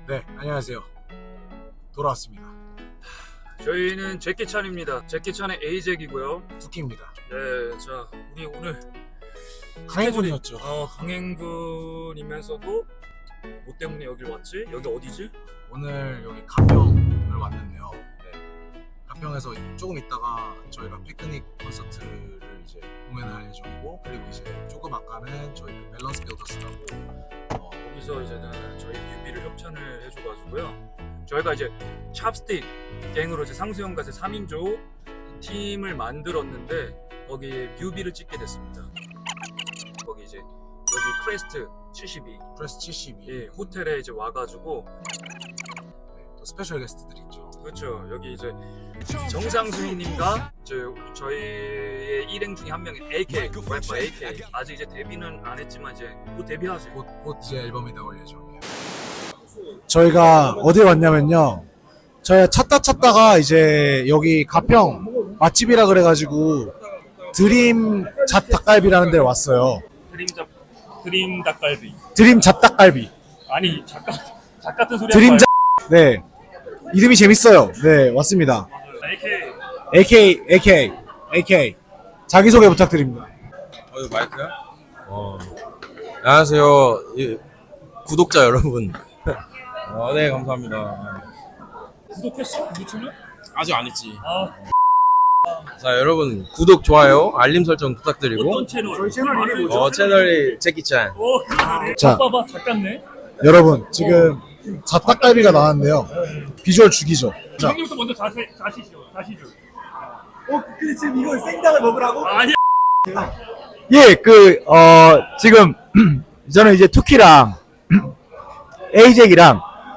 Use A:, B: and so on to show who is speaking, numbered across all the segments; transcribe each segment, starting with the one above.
A: 네, 안녕하세요. 돌아왔습니다.
B: 저희는 제키찬입니다. 제키찬의 A잭이고요.
A: 투키입니다.
B: 네, 자, 우리 오늘
A: 강행군이었죠.
B: 강행군이면서도 뭐 때문에 여길 왔지? 여기 어디지?
A: 오늘 여기 가평을 왔는데요. 네, 가평에서 조금 있다가 저희가 피크닉 콘서트를 이제 공연할 예정이고, 그리고 이제 조금 아까는 저희 그 밸런스 빌더스라고
B: 거기서 이제는 저희 뮤비를 협찬을 해줘가지고요. 저희가 이제 찹스틱 갱으로 이제 상수형 갓의 3인조 팀을 만들었는데 거기에 뮤비를 찍게 됐습니다. 거기 이제 여기 크레스트 72
A: 프레스 72.
B: 예, 호텔에 이제 와가지고
A: 네, 또 스페셜 게스트들이 있죠.
B: 그렇죠. 여기 이제 정상수희님과 저희의 일행 중에 한 명인 AK 래퍼 AK 아직 이제 데뷔는 안 했지만 이제 곧 데뷔하세요.
A: 곧 이제 앨범이 나올 예정이에요. 저희가 어디에 왔냐면요. 저희가 찾다가 이제 여기 가평 맛집이라 그래가지고 드림 잡 닭갈비라는 데를 왔어요.
B: 드림 닭갈비.
A: 드림 잡 닭갈비.
B: 아니 작 같은 소리.
A: 드림 잡. 네. 이름이 재밌어요. 네, 왔습니다. AK. 자기소개 부탁드립니다.
C: 이거 마이크야? 안녕하세요. 구독자 여러분. 네, 감사합니다.
B: 구독했어? 유튜브?
C: 아직 안 했지.
B: 아,
C: 자, 여러분, 구독, 좋아요, 알림 설정 부탁드리고.
B: 어떤 채널? 저희 채널 이름이 뭐죠?
C: 채널이 제키찬.
B: 그러네.
A: 자.
B: 봐봐, 작같네.
A: 여러분, 지금 잡닭갈비가 나왔는데요. 비주얼 죽이죠. 자,
B: 형님부터 먼저 자시죠.
D: 근데 지금 이걸 생닭을 먹으라고?
B: 아니.
D: 예, 지금 저는 이제 투키랑 에이잭이랑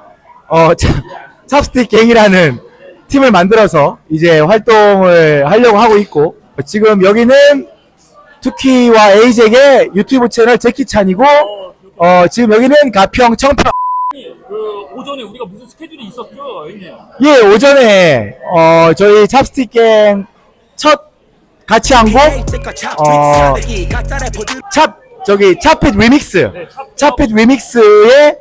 D: 찹스틱 갱이라는 팀을 만들어서 이제 활동을 하려고 하고 있고, 지금 여기는 투키와 에이잭의 유튜브 채널 제키찬이고, 지금 여기는 가평 청평.
B: 그 오전에 우리가 무슨 스케줄이 있었죠, 형님?
D: 예, 오전에 저희 찹스틱 갱 첫 같이 한 곡 찹핏 리믹스.
B: 네,
D: 찹핏 리믹스의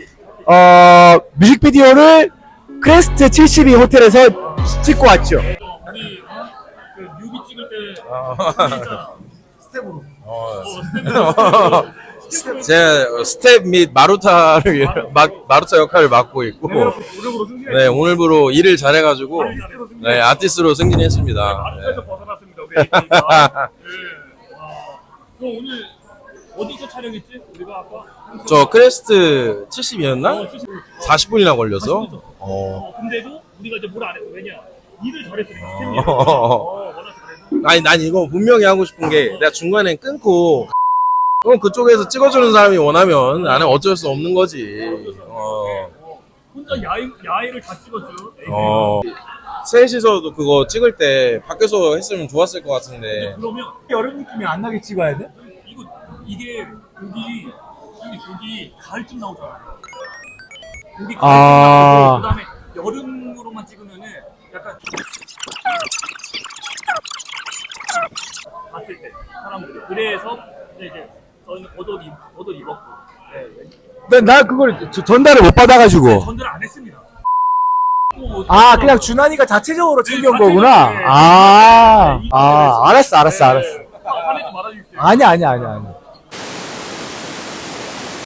D: 뮤직비디오를 크레스트 72 호텔에서 찍고 왔죠.
B: 우리 그 뮤비 찍을 때 진짜
A: 스텝으로.
C: 제 스텝 및 마루타 역할을 맡고 있고. 네, 오늘부로 일을 잘해가지고. 네, 아티스트로 승진했습니다.
B: 마루타에서 벗어났습니다, 우리 AK가. 그럼 오늘 어디서 촬영했지? 우리가 아까
C: 저 크레스트 70이었나? 40분이나 걸려서.
B: 근데도 우리가 이제 뭘 안 했어. 왜냐? 일을 잘했으니까. 스텝이. 워낙 잘해서.
C: 아니, 난 이거 분명히 하고 싶은 게 내가 중간에 끊고 그럼 그쪽에서 찍어주는 사람이 원하면 나는 어쩔 수 없는 거지.
B: 혼자 야외를 다 찍었죠.
C: 셋이서도 그거 찍을 때 밖에서 했으면 좋았을 것 같은데.
B: 그러면
D: 여름 느낌이 안 나게 찍어야 돼?
B: 이게 고기 가을쯤 나오잖아. 고기 가을쯤
D: 아.
B: 나오고 그다음에 여름으로만 찍으면은 약간 봤을 때 사람들이 그래서 이제 저희는 겉옷 입었고
D: 나 그걸 전달을 못 받아가지고.
B: 전달 안 했습니다.
D: 그냥 준환이가 자체적으로 챙겨온
B: 자체적으로,
D: 거구나.
B: 네.
D: 알았어.
B: 화내지 말아주십시오.
D: 아니야.